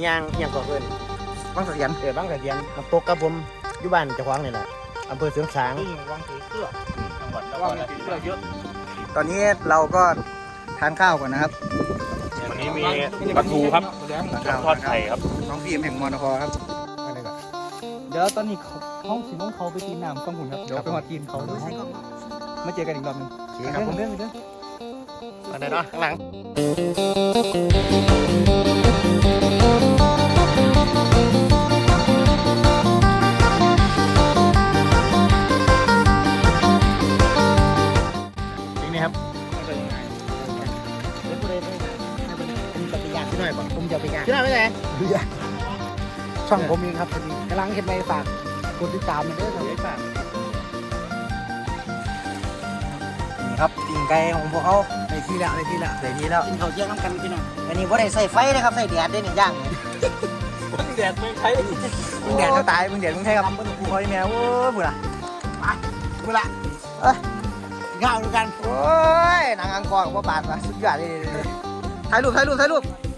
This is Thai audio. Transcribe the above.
ย่างอย่างก่อเกินบางเสถียรบางกระเทียนน้ำตกกับผมอยู่บ้านเจ้าของนี่แหละอำเภอเสริงสางวังถือเสื้อจังหวัดนครราชสีมาเยอะตอนนี้เราก็ทานข้าวก่อนนะครับวันนี้มีปลาทูครับทอดไข่ครับน้องพีมแห่งมอนครครับอะไรก่อนเดี๋ยวตอนนี้ห้องสีน้องเขาไปตีน้ำฟังหุ่นครับเดี๋ยวไปหอดทีมเขามาเจอกันอีกรอบนึงโอเคครับผมเรื่องเรื่องอันไหนเนาะข้างหลังนี่ครับเดี๋ยวกูเลยไปผมจะไปย่างที่ไหนบ่ผมจะไปย่างที่ไหนไม่ไหนช่องผมเองครับกำลังเห็นใบฝากกดติดตามมาเด้อครับนี่ครับปิ่งไก่ของพวกเขาในที่แล้วกินข้าวเที่ยงน้ำกันพี่น้องอันนี้ว่าได้ใส่ไฟนะครับใส่แดดได้หนึ่งอย่างแดดเมืองไทยมึงแดดจะตายมึงแดดมึงใช่ครับกูคอยแมวโอ้ยบุระไปบุระกินข้าวด้วยกันโอ้ยนางอังกอร์กับพ่อบาทว่ะสุดยอดเลยถ่ายรูป